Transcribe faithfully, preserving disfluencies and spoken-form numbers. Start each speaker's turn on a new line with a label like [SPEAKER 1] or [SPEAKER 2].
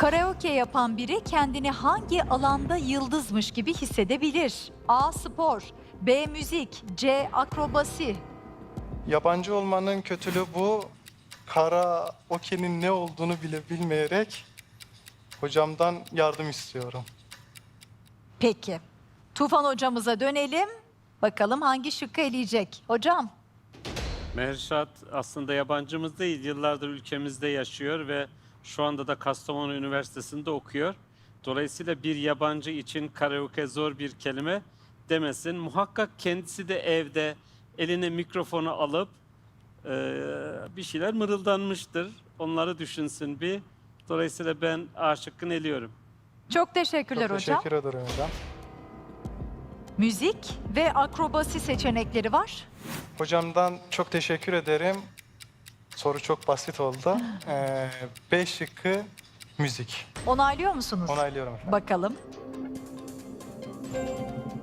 [SPEAKER 1] Karaoke yapan biri kendini hangi alanda yıldızmış gibi hissedebilir? A. Spor, B. Müzik, C. Akrobasi.
[SPEAKER 2] Yabancı olmanın kötülüğü bu. Karaoke'nin ne olduğunu bile bilmeyerek hocamdan yardım istiyorum.
[SPEAKER 1] Peki. Tufan hocamıza dönelim. Bakalım hangi şıkkı eleyecek? Hocam.
[SPEAKER 3] Mehrşat aslında yabancımız değil, yıllardır ülkemizde yaşıyor ve şu anda da Kastamonu Üniversitesi'nde okuyor. Dolayısıyla bir yabancı için karaoke zor bir kelime demesin. Muhakkak kendisi de evde eline mikrofonu alıp e, bir şeyler mırıldanmıştır. Onları düşünsün bir. Dolayısıyla ben A şıkkını eliyorum.
[SPEAKER 1] Çok teşekkürler
[SPEAKER 2] Çok
[SPEAKER 1] hocam.
[SPEAKER 2] teşekkür ederim hocam.
[SPEAKER 1] Müzik ve akrobasi seçenekleri var.
[SPEAKER 2] Hocamdan çok teşekkür ederim. Soru çok basit oldu. Ee, B şıkkı müzik.
[SPEAKER 1] Onaylıyor musunuz?
[SPEAKER 2] Onaylıyorum efendim.
[SPEAKER 1] Bakalım.